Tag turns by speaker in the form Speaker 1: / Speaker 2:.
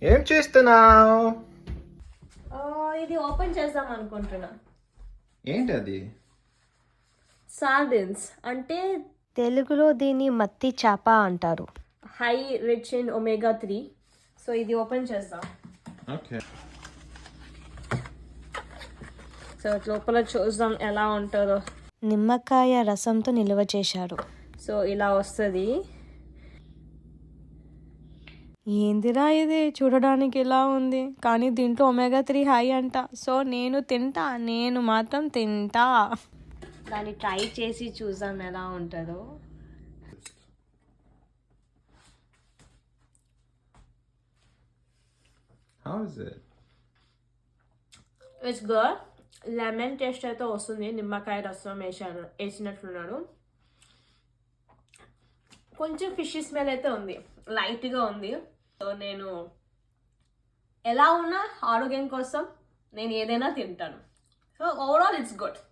Speaker 1: ఏం చేస్తున్నావు?
Speaker 2: ఇది ఓపెన్ చేద్దాం అనుకుంటున్నా.
Speaker 1: ఏంటి అది?
Speaker 2: సార్డిన్స్ అంటే
Speaker 3: తెలుగులో దీన్ని మత్తి చేప అంటారు.
Speaker 2: High rich in omega 3. So ఇది ఓపెన్ చేద్దాం.
Speaker 1: ఓకే.
Speaker 2: సో లోపల చూద్దాం ఎలా ఉంటుందో.
Speaker 3: నిమ్మకాయ రసంతో నిల్వ చేశారు.
Speaker 2: సో ఇలా వస్తుంది.
Speaker 3: ఏందిరా ఇది, చూడడానికి ఇలా ఉంది కానీ దీంట్లో ఒమేగా 3 హై అంట. సో నేను మాత్రం తింటా.
Speaker 2: దాన్ని ట్రై చేసి చూద్దాం ఎలా ఉంటుందో.
Speaker 1: How is it?
Speaker 2: It's good. Lemon taste అయితే వస్తుంది. నిమ్మకాయ రసం వేసినట్లున్నాడు. కొంచెం ఫిష్ స్మెల్ అయితే ఉంది, లైట్గా ఉంది. సో నేను ఎలా ఉన్నా ఆరోగ్యం కోసం నేను ఏదైనా తింటాను. So overall it's good.